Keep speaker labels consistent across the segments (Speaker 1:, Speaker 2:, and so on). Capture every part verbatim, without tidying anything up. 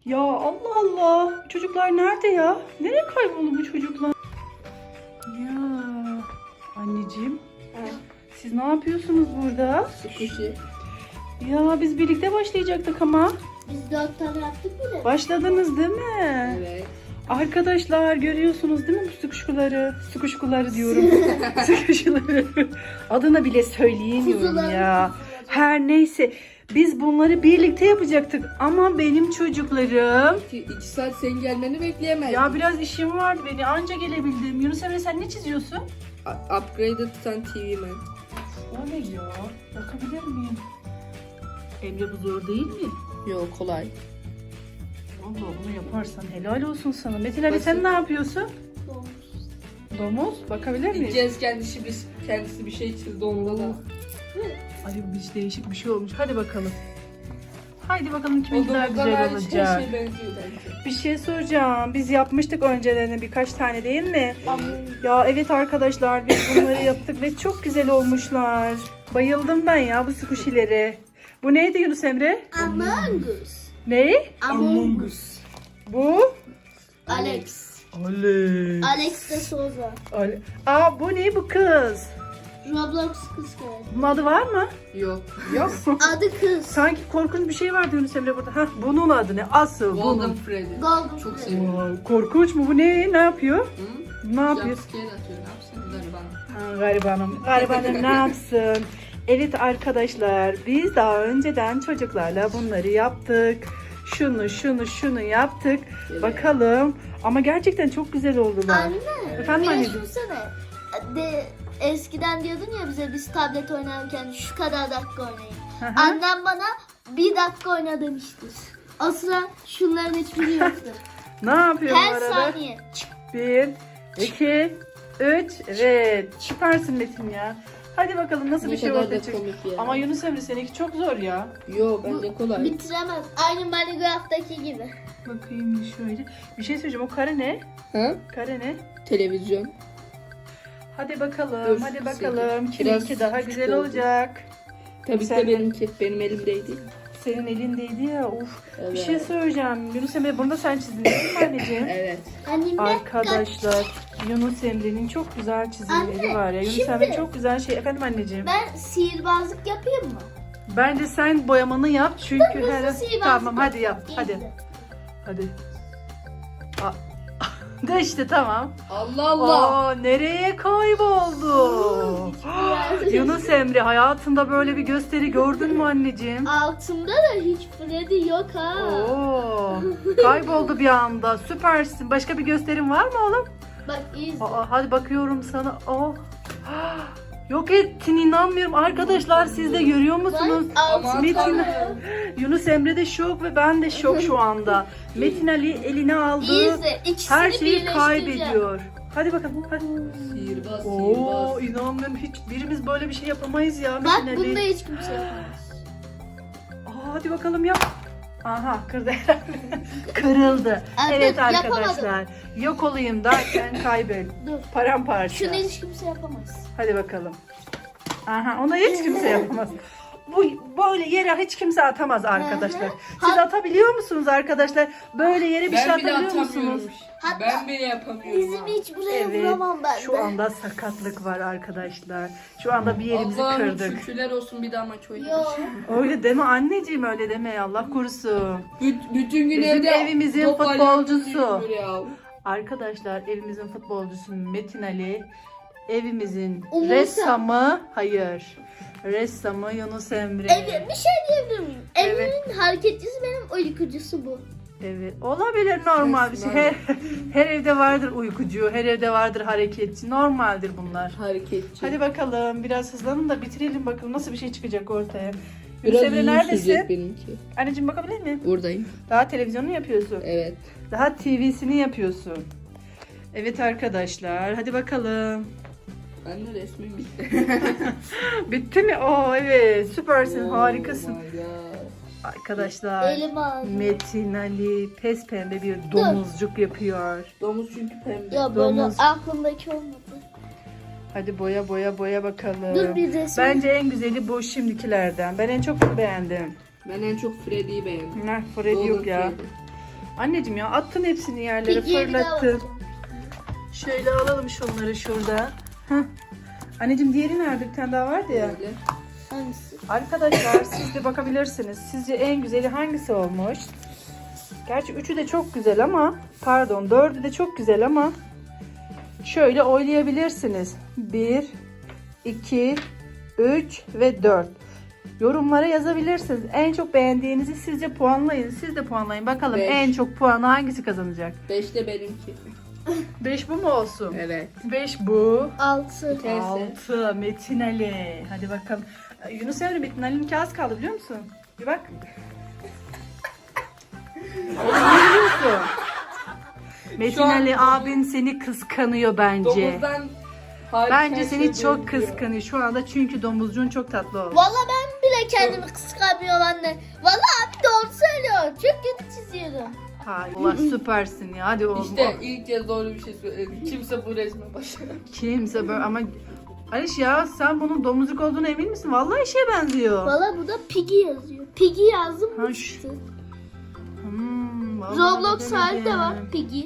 Speaker 1: Ya Allah Allah. Bu çocuklar nerede ya? Nereye kayboldu bu çocuklar? Ya anneciğim. Siz ne yapıyorsunuz burada?
Speaker 2: Squishy.
Speaker 1: Ya biz birlikte başlayacaktık ama.
Speaker 3: Biz dört tane yaptık bile.
Speaker 1: Başladınız değil mi?
Speaker 2: Evet.
Speaker 1: Arkadaşlar görüyorsunuz değil mi bu sıkışkuları? Sıkışkuları diyorum. Sıkışkuları. Adını bile söyleyemiyorum
Speaker 3: Kuzuları,
Speaker 1: ya.
Speaker 3: kuzuları.
Speaker 1: Her neyse. Biz bunları birlikte yapacaktık. Ama benim çocuklarım...
Speaker 2: İki, iki saat senin gelmeni bekleyemez.
Speaker 1: Ya biraz işim vardı beni. Anca gelebildim. Yunus Emre sen ne çiziyorsun?
Speaker 2: A- Upgraded Sun T V Man.
Speaker 1: O ne ya? Bakabilir miyim? Emre bu zor değil mi?
Speaker 2: Yok kolay.
Speaker 1: Vallahi bunu yaparsan helal olsun sana. Metin Ali
Speaker 2: Basit.
Speaker 1: sen ne yapıyorsun?
Speaker 3: Dolmuş.
Speaker 1: Domuz. Bakabilir miyiz?
Speaker 2: Gideceğiz kendisi bir, kendisi bir şey çizdi onda da.
Speaker 1: Ay bu hiç değişik bir şey olmuş. Hadi bakalım. Haydi bakalım kimin
Speaker 2: O
Speaker 1: daha
Speaker 2: domuzdan
Speaker 1: güzel
Speaker 2: hariç her
Speaker 1: olacak.
Speaker 2: şey benziyor bence.
Speaker 1: Bir şey soracağım. Biz yapmıştık önceden birkaç tane değil mi?
Speaker 3: Ama
Speaker 1: Ya evet arkadaşlar biz bunları yaptık ve çok güzel olmuşlar. Bayıldım ben ya bu squishy'lere. Bu neydi Yunus Emre?
Speaker 3: Among Us.
Speaker 1: Ne?
Speaker 3: Among Us.
Speaker 1: Bu?
Speaker 3: Alex.
Speaker 1: Alex.
Speaker 3: Alex de Souza.
Speaker 1: Ale- Aa bu ne bu kız?
Speaker 3: Roblox kız kardeşi.
Speaker 1: Bunun adı var mı?
Speaker 2: Yok.
Speaker 1: Yok.
Speaker 3: Adı kız.
Speaker 1: Sanki korkunç bir şey vardı Yunus Emre burada. Hah bunun adı ne? Asıl
Speaker 2: Golden
Speaker 1: bunun.
Speaker 2: Freddy.
Speaker 3: Golden
Speaker 2: Çok
Speaker 3: Freddy.
Speaker 2: seviyorum.
Speaker 1: Vay, korkunç mu bu ne? Ne yapıyor?
Speaker 2: Hı?
Speaker 1: Ne yapıyor?
Speaker 2: Jumpscare atıyor. Ne yapsın gariban.
Speaker 1: Ha, garibanım. Garibanım ne yapsın? Evet arkadaşlar biz daha önceden çocuklarla bunları yaptık. Şunu şunu şunu yaptık.
Speaker 2: Evet.
Speaker 1: Bakalım. Ama gerçekten çok güzel oldular.
Speaker 3: Anne.
Speaker 1: Efendim
Speaker 3: Bir de
Speaker 1: anneciğim?
Speaker 3: düşünsene. De, eskiden diyordun ya bize biz tablet oynarken şu kadar dakika oynayın.
Speaker 1: Hı hı.
Speaker 3: Annem bana bir dakika oyna demiştir. O sıra şunların hiçbiri yoktu.
Speaker 1: Ne yapıyor bu
Speaker 3: Her
Speaker 1: arada?
Speaker 3: saniye.
Speaker 1: Bir, iki, üç. Evet. Süpersin Metin ya. Hadi bakalım nasıl
Speaker 2: Ne
Speaker 1: bir şey
Speaker 2: kadar da
Speaker 1: ortaya çıkıyor.
Speaker 2: komik ya.
Speaker 1: Ama Yunus Emre seninki çok zor ya.
Speaker 2: Yok bence kolay.
Speaker 3: Bitiremez. Aynı Minecraft'taki gibi.
Speaker 1: Bakayım şöyle. Bir şey söyleyeceğim. O kare ne?
Speaker 2: Ha?
Speaker 1: Kare ne?
Speaker 2: Televizyon.
Speaker 1: Hadi bakalım.
Speaker 2: Dur,
Speaker 1: hadi
Speaker 2: sekiz.
Speaker 1: bakalım.
Speaker 2: Biraz
Speaker 1: Kiminki daha
Speaker 2: küçük
Speaker 1: güzel
Speaker 2: oldu.
Speaker 1: olacak.
Speaker 2: Tabii
Speaker 1: Sen-
Speaker 2: ki de benimki. Benim elimdeydi.
Speaker 1: Senin elindeydi ya. Uf.
Speaker 2: Evet.
Speaker 1: Bir şey söyleyeceğim. Yunus Emre bunu da sen çizdin değil mi anneciğim?
Speaker 2: Evet.
Speaker 3: Annem
Speaker 1: Arkadaşlar Yunus Emre'nin çok güzel çizimleri
Speaker 3: Anne,
Speaker 1: var ya. Yunus
Speaker 3: şimdi-
Speaker 1: Emre çok güzel şey. Efendim anneciğim.
Speaker 3: ben sihirbazlık yapayım mı?
Speaker 1: Bence sen boyamanı yap çünkü
Speaker 3: Kırmızı
Speaker 1: her
Speaker 3: sihirbazlık
Speaker 1: tamam hadi yap.
Speaker 3: İyi
Speaker 1: Hadi.
Speaker 3: de.
Speaker 1: Hadi. Aa, de işte tamam.
Speaker 2: Allah Allah.
Speaker 1: Aa, nereye kayboldu? Yunus Emre hayatında böyle bir gösteri gördün mü anneciğim?
Speaker 3: Altımda da hiç Freddy yok ha.
Speaker 1: Oo, kayboldu bir anda. Süpersin. Başka bir gösterin var mı oğlum?
Speaker 3: Bak iyi izle.
Speaker 1: Aa, hadi bakıyorum sana. Aa, yok ettin inanmıyorum. Arkadaşlar siz de görüyor musunuz?
Speaker 3: Bak altımda.
Speaker 1: Metin-
Speaker 3: da.
Speaker 1: Yunus Emre de şok ve ben de şok şu anda. Metin Ali eline
Speaker 3: İyi
Speaker 1: aldı.
Speaker 3: izle. İkisini
Speaker 1: Her şeyi
Speaker 3: birleştireceğim.
Speaker 1: kaybediyor. Hadi bakalım. Hadi.
Speaker 2: Sihirbaz,
Speaker 1: Oo,
Speaker 2: sihirbaz.
Speaker 1: inanmıyorum. Hiç birimiz böyle bir şey yapamayız ya
Speaker 3: Bak
Speaker 1: Metin
Speaker 3: bunda
Speaker 1: Ali.
Speaker 3: hiç kimse yapamaz.
Speaker 1: Aa, hadi bakalım yap. Aha kırdı herhalde. Kırıldı.
Speaker 3: Aa,
Speaker 1: Evet
Speaker 3: dur,
Speaker 1: arkadaşlar. Yok olayım derken kaybet.
Speaker 3: Dur.
Speaker 1: Paramparça.
Speaker 3: Şunu hiç kimse yapamaz.
Speaker 1: Hadi bakalım. Aha onu hiç kimse yapamaz. Bu böyle yere hiç kimse atamaz arkadaşlar. Siz
Speaker 3: Ha-
Speaker 1: atabiliyor musunuz arkadaşlar? Böyle yere bir şey
Speaker 2: Ben bile
Speaker 1: atabiliyor
Speaker 2: atamıyorum.
Speaker 1: musunuz?
Speaker 3: Hatta
Speaker 2: Ben bile yapamıyorum.
Speaker 3: Bizim
Speaker 2: ha.
Speaker 3: hiç buraya
Speaker 1: Evet.
Speaker 3: vuramam ben
Speaker 1: Şu
Speaker 3: de.
Speaker 1: anda sakatlık var arkadaşlar. Şu anda bir yerimizi
Speaker 2: Allah'ım
Speaker 1: kırdık.
Speaker 2: şükürler olsun bir daha maç
Speaker 3: Yo.
Speaker 2: oynamış.
Speaker 1: Öyle deme anneciğim öyle deme Allah korusun.
Speaker 2: Büt- bütün gün
Speaker 1: Bizim
Speaker 2: evde
Speaker 1: evimizin
Speaker 2: top
Speaker 1: futbolcusu.
Speaker 2: oynuyoruz ya.
Speaker 1: Arkadaşlar evimizin futbolcusu Metin Ali. Evimizin
Speaker 3: Umursa.
Speaker 1: ressamı hayır. Ressamı Yunus Emre.
Speaker 3: Evet, bir şey diyebilir miyim?
Speaker 1: Evet.
Speaker 3: Evimin hareketçisi benim uykucusu bu.
Speaker 1: Evet olabilir normal bir şey. Her, her evde vardır uykucu, her evde vardır hareketçi. Normaldir bunlar.
Speaker 2: Hareketçi.
Speaker 1: Hadi bakalım biraz hızlanın da bitirelim bakalım nasıl bir şey çıkacak ortaya.
Speaker 2: Biraz
Speaker 1: Yunus Emre
Speaker 2: uzun sürecek
Speaker 1: neredesin?
Speaker 2: benimki.
Speaker 1: Anneciğim bakabilir miyim?
Speaker 2: Buradayım.
Speaker 1: Daha televizyonu yapıyorsun.
Speaker 2: Evet.
Speaker 1: Daha T V'sini yapıyorsun. Evet arkadaşlar hadi bakalım.
Speaker 2: Ben de resmim bitti.
Speaker 1: Bitti mi? Oo evet süpersin
Speaker 2: Oh
Speaker 1: harikasın.
Speaker 2: my God.
Speaker 1: Arkadaşlar
Speaker 3: Elim ağzım.
Speaker 1: Metin Ali pes pembe bir domuzcuk yapıyor.
Speaker 2: Domuz çünkü pembe.
Speaker 3: Ya böyle
Speaker 1: Domuz.
Speaker 3: aklımdaki olmadı.
Speaker 1: Hadi boya boya boya bakalım.
Speaker 3: Dur bir resim.
Speaker 1: Bence en güzeli bu şimdikilerden. Ben en çok bunu beğendim.
Speaker 2: Ben en çok Freddy'yi beğendim.
Speaker 1: Heh, Freddy yok
Speaker 2: Golden
Speaker 1: ya.
Speaker 2: Freddy.
Speaker 1: Anneciğim ya attın hepsini yerlere,
Speaker 3: Pigiye bir daha
Speaker 1: fırlattın.
Speaker 3: bakacağım.
Speaker 1: Şöyle alalım şunları şurada. Heh. Anneciğim diğeri nerede? Bir tane daha vardı ya.
Speaker 2: Böyle.
Speaker 3: Hangisi?
Speaker 1: Arkadaşlar siz de bakabilirsiniz. Sizce en güzeli hangisi olmuş? Gerçi üçü de çok güzel ama pardon dördü de çok güzel ama şöyle oylayabilirsiniz. Bir, iki, üç ve dört. Yorumlara yazabilirsiniz. En çok beğendiğinizi sizce puanlayın. Siz de puanlayın. Bakalım
Speaker 2: Beş.
Speaker 1: en çok puanı hangisi kazanacak?
Speaker 2: Beşte benimki.
Speaker 1: beş bu mu olsun?
Speaker 2: Evet.
Speaker 1: beş bu.
Speaker 3: Altı.
Speaker 2: Teyze.
Speaker 1: altı Metin Ali. Hadi bakalım. Yunus Emre Metin Ali'ninki az kaldı biliyor musun? Bir bak. Oğlum ne biliyorsun? Metin
Speaker 2: an
Speaker 1: Ali
Speaker 2: domuz-
Speaker 1: abin seni kıskanıyor bence.
Speaker 2: Domuzdan hariç
Speaker 1: Bence
Speaker 2: her
Speaker 1: seni
Speaker 2: şey
Speaker 1: çok
Speaker 2: benziyor.
Speaker 1: kıskanıyor şu anda çünkü domuzcuğun çok tatlı oldu.
Speaker 3: Valla ben bile kendimi kıskanmıyorum anne. Valla abi doğru söylüyor. Çok kötü çiziyorum.
Speaker 1: Hay Allah süpersin ya. Hadi oğlum.
Speaker 2: İşte ilk kez doğru bir şey söyledi. Kimse bu resme başlamıyor.
Speaker 1: Kimse böyle ama Aliş ya sen bunun domuzcuk olduğuna emin misin? Vallahi şeye benziyor.
Speaker 3: Valla burada Piggy yazıyor. Piggy yazdım
Speaker 1: Ha,
Speaker 3: mı
Speaker 1: şu-
Speaker 3: çıktı.
Speaker 1: Hmm, vallahi
Speaker 3: Roblox hali de
Speaker 1: bilemedim.
Speaker 3: var Piggy.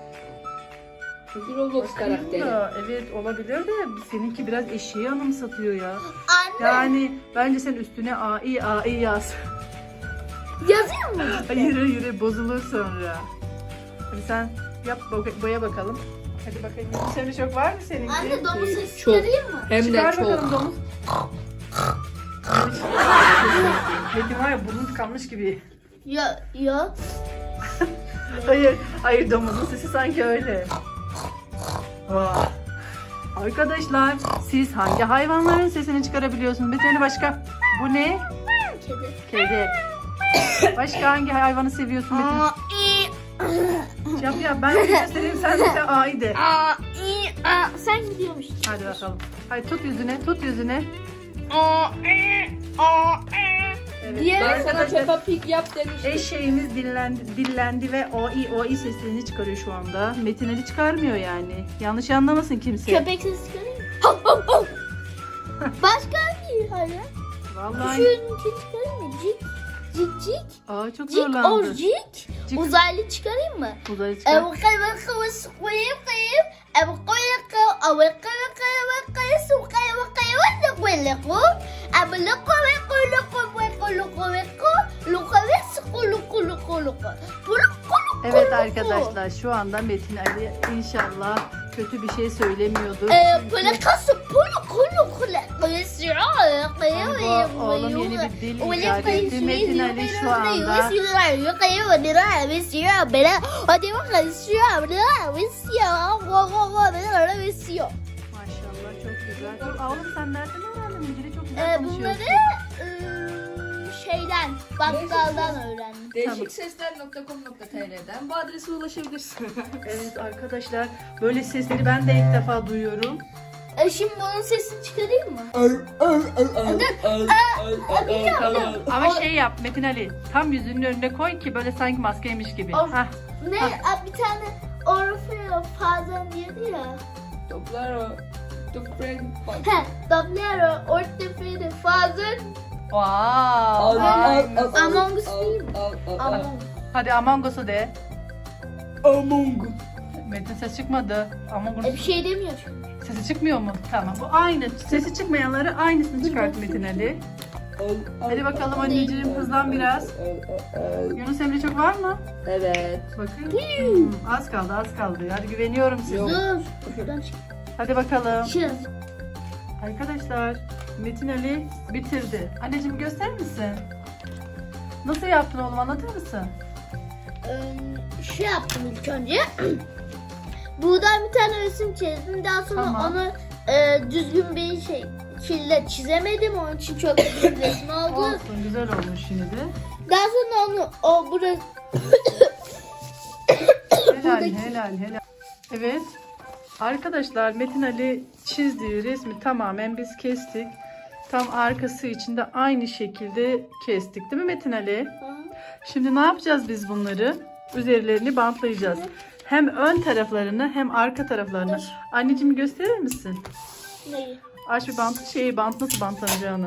Speaker 2: Bu Roblox
Speaker 1: Bakayım
Speaker 2: karakteri.
Speaker 1: da, evet olabilir de seninki biraz eşeği anımsatıyor ya.
Speaker 3: Anne
Speaker 1: Yani bence sen üstüne A I A I yaz.
Speaker 3: yazıyor mu?
Speaker 1: Hayır hayır bozulur sonra. Hadi sen yap bo- boya bakalım. Hadi bakayım. Senin çok var mı seninki?
Speaker 3: Anne domuz sesi
Speaker 2: Çok.
Speaker 3: çıkarayım mı?
Speaker 2: Hem de
Speaker 1: Çıkar
Speaker 2: çok.
Speaker 1: bakalım domuz. Metin var ya burnun tıkanmış gibi.
Speaker 3: Ya ya.
Speaker 1: Hayır, hayır domuzun sesi sanki öyle. Vay. Arkadaşlar siz hangi hayvanların sesini çıkarabiliyorsunuz? Bir tane başka. Bu ne?
Speaker 3: Kedi.
Speaker 1: Kedi. Başka hangi hayvanı seviyorsun Metin?
Speaker 3: Aa, i,
Speaker 1: Yap yap ben de göstereyim sen de A'yı de.
Speaker 3: aa, i, aa. Sen gidiyormuşsun.
Speaker 1: Hadi bakalım. Hadi tut yüzüne, tut yüzüne.
Speaker 3: Aa, i, aa, i.
Speaker 1: Evet.
Speaker 3: Diğer-
Speaker 2: Ben sana Peppa Pig yap demiştim.
Speaker 1: Eşeğimiz dillendi, dillendi ve o i o i seslerini çıkarıyor şu anda. Metin Ali çıkarmıyor yani. Yanlış anlamasın kimse.
Speaker 3: Köpek sesi çıkarayım mı? Hav, hav, hav. Başka hangi hayvan?
Speaker 1: Vallahi.
Speaker 3: Şununkini çıkarayım mı? Cik. Cik cik.
Speaker 1: Aa çok
Speaker 3: Cik or
Speaker 1: zorlandı.
Speaker 3: cik.
Speaker 1: Cik.
Speaker 3: Uzaylı çıkarayım mı?
Speaker 1: Uzaylı çıkar.
Speaker 3: Ev kayıp kayıp kayıp kayıp. Ev kayıp kayıp. Ev kayıp kayıp kayıp. Su kayıp kayıp. Ne kayıp kayıp. Ev kayıp kayıp kayıp kayıp kayıp kayıp. Lukaves kulu kulu kulu.
Speaker 1: Evet arkadaşlar şu anda Metin Ali inşallah kötü bir şey söylemiyordur.
Speaker 3: Eee
Speaker 1: Çünkü
Speaker 3: plakası pulu kulu kulu. Kayısıyor. Kayıp.
Speaker 1: bu oğlum yeni bir dil icat etti. Metin Ali şu anda maşallah çok güzel. Dur, oğlum sen nereden öğrendin? Bu dili çok güzel
Speaker 3: Ee,
Speaker 1: konuşuyorsun.
Speaker 3: bunları ıı, şeyden, bakkaldan öğrendim.
Speaker 2: değişik sesler nokta com nokta tr'den bu adrese ulaşabilirsin.
Speaker 1: Evet arkadaşlar böyle sesleri ben de ilk defa duyuyorum.
Speaker 3: E şimdi bunun sesini çıkarayım mı?
Speaker 2: Tamam.
Speaker 1: Ama şey yap Metin Ali tam yüzünün önüne koy ki böyle sanki maskeymiş gibi.
Speaker 3: Of.
Speaker 1: Hah.
Speaker 3: Ne? Aa, bir tane Orfeo Fazen diyordu ya.
Speaker 2: Toplar o. Toprak.
Speaker 3: He, Doblero Ortefede Fazen
Speaker 1: Wow.
Speaker 3: Among Us değil mi? Among Us.
Speaker 1: Hadi Among Us'u de.
Speaker 2: Among Us.
Speaker 1: Metin ses çıkmadı. Among
Speaker 3: E bir
Speaker 1: Us
Speaker 3: şey demiyor çünkü.
Speaker 1: sesi çıkmıyor mu? Tamam bu aynı. Sesi çıkmayanları aynısını çıkart Metin Ali. Hadi bakalım anneciğim hızlan biraz. Yunus Emre çok var mı?
Speaker 2: Evet.
Speaker 1: Bakın. Hmm, az kaldı az kaldı. Hadi güveniyorum size.
Speaker 2: Yok.
Speaker 3: Dur. Şuradan çık.
Speaker 1: Hadi bakalım.
Speaker 3: Çık.
Speaker 1: Arkadaşlar Metin Ali bitirdi. Anneciğim gösterir misin? Nasıl yaptın oğlum anlatır mısın?
Speaker 3: Ee, şey yaptım ilk önce. Buradan bir tane resim çizdim. Daha sonra
Speaker 1: Tamam.
Speaker 3: onu e, düzgün bir şey şekilde çizemedim. Onun için çok bir resim oldu.
Speaker 1: Olsun güzel olmuş şimdi de.
Speaker 3: Daha sonra onu o burası
Speaker 1: Helal helal helal. Evet. Arkadaşlar Metin Ali çizdiği resmi tamamen biz kestik. Tam arkası için de aynı şekilde kestik değil mi Metin Ali? Şimdi ne yapacağız biz bunları? Üzerlerini bantlayacağız. Hem ön taraflarını hem arka taraflarını. Anneciğim gösterir misin?
Speaker 3: neyi?
Speaker 1: Aç bir bant, şeyi bant nasıl bantlanacağını.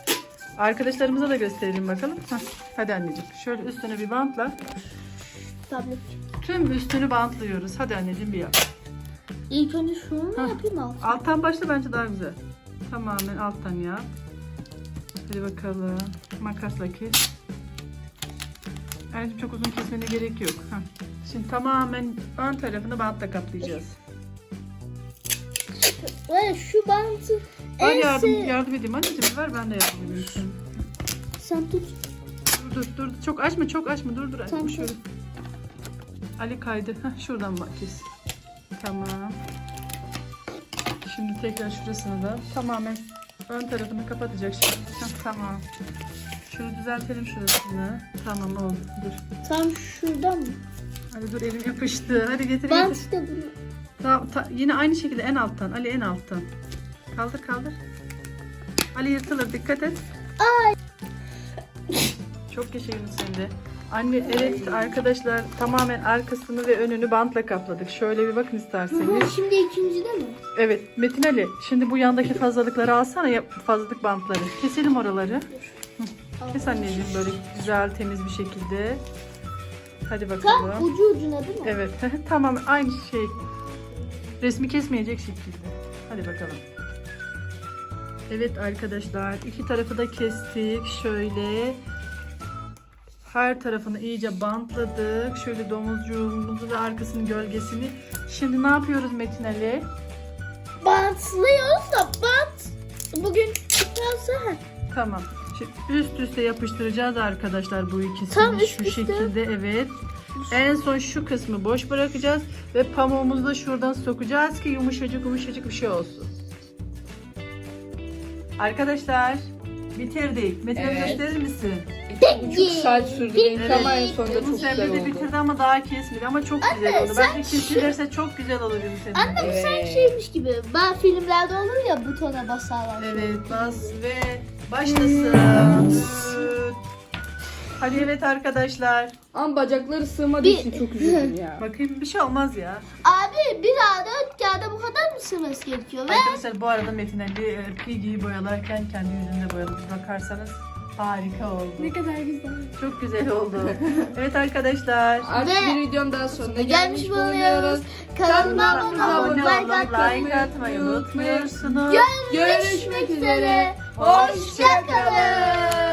Speaker 1: Arkadaşlarımıza da gösterelim bakalım. Heh, hadi anneciğim şöyle üstüne bir bantla.
Speaker 3: tablet.
Speaker 1: Tüm üstünü bantlıyoruz. Hadi anneciğim bir yap.
Speaker 3: İlk önce şunu mu
Speaker 1: Hah.
Speaker 3: yapayım alt?
Speaker 1: Alttan başla bence daha güzel. Tamamen alttan yap. Hadi bakalım. Makasla kes. Anneciğim çok uzun kesmene gerek yok. Heh. Şimdi tamamen ön tarafını bantla kaplayacağız.
Speaker 3: Ve şu bantı
Speaker 1: Ben
Speaker 3: en
Speaker 1: yardım,
Speaker 3: sev-
Speaker 1: yardım edeyim anneciğim. Ver ben de yardım edeyim. sana.
Speaker 3: Sen tut.
Speaker 1: Dur dur dur. Çok açma çok açma. Dur dur.
Speaker 3: Tamam,
Speaker 1: Açma şöyle. Ali kaydı. Heh, şuradan bak kes. Tamam. Şimdi tekrar şurasını da tamamen ön tarafını kapatacak şimdi. Heh, tamam. Şunu düzeltelim şurasını. Tamam oldu. Dur.
Speaker 3: Tam şuradan mı?
Speaker 1: Hadi dur elim yapıştı. Hadi getir getir.
Speaker 3: Bant da bunu.
Speaker 1: Tamam, ta- yine aynı şekilde en alttan. Ali en alttan. Kaldır kaldır. Ali yırtılır dikkat et.
Speaker 3: Ay.
Speaker 1: Çok yaşayın sen de. Anne evet arkadaşlar tamamen arkasını ve önünü bantla kapladık. Şöyle bir bakın isterseniz.
Speaker 3: Şimdi ikincide mi?
Speaker 1: Evet Metin Ali şimdi bu yandaki fazlalıkları alsana ya fazlalık bantları. Keselim oraları. Hı. Kes anneciğim böyle güzel temiz bir şekilde. Hadi
Speaker 3: Tam
Speaker 1: bakalım.
Speaker 3: ucu ucuna değil mi?
Speaker 1: Evet tamam aynı şey. Resmi kesmeyecek şekilde. Hadi bakalım. Evet arkadaşlar iki tarafı da kestik. Şöyle her tarafını iyice bantladık. Şöyle domuzcuğumuzu ve arkasının gölgesini. Şimdi ne yapıyoruz Metin Ali?
Speaker 3: Bantlıyoruz da bant. Bugün çıkarsa ha.
Speaker 1: Tamam. Şimdi üst üste yapıştıracağız arkadaşlar bu ikisini.
Speaker 3: Tam üst
Speaker 1: şu
Speaker 3: üste.
Speaker 1: şekilde evet. En son şu kısmı boş bırakacağız ve pamuğumuzu da şuradan sokacağız ki yumuşacık yumuşacık bir şey olsun. Arkadaşlar bitirdik. Metin Ali
Speaker 2: Evet.
Speaker 1: gösterir misin?
Speaker 2: İki buçuk saat sürdü. Benim
Speaker 3: Evet.
Speaker 2: ama en sonunda çok
Speaker 1: Yunus Emre
Speaker 2: güzel
Speaker 1: de
Speaker 2: oldu.
Speaker 1: bitirdi ama daha kesmedi ama çok güzel oldu.
Speaker 3: sen
Speaker 1: Bence kesilirse çok güzel olur Yunus Emre.
Speaker 3: Anne bu
Speaker 2: Evet.
Speaker 3: sanki şeymiş gibi. Ben filmlerde olur ya butona basarlar.
Speaker 1: Evet bas ve başlasın. Hadi evet arkadaşlar.
Speaker 2: Ama bacakları sığmadığı
Speaker 3: Bir-
Speaker 2: için çok üzüldüm ya.
Speaker 1: Bakayım bir şey olmaz ya.
Speaker 3: Abi bir daha dört kağıda bu kadar mı sığması gerekiyor? Ve
Speaker 1: Arkadaşlar bu arada Metin Ali e, Piggy'yi boyalarken kendi yüzünde boyadı. Bakarsanız harika oldu.
Speaker 3: kadar güzel.
Speaker 1: Çok güzel oldu. Evet arkadaşlar.
Speaker 2: Artık
Speaker 3: Ve-
Speaker 2: bir videom daha sonuna
Speaker 3: Gelmiş
Speaker 2: gelmiş
Speaker 3: bulunuyoruz.
Speaker 2: bulunuyoruz.
Speaker 3: Kanalıma
Speaker 1: Kanalımıza
Speaker 3: abone
Speaker 1: abone
Speaker 3: olup
Speaker 1: olup like atmayı unutmuyorsunuz.
Speaker 3: Görüşmek üzere.
Speaker 2: Hoşça kalın.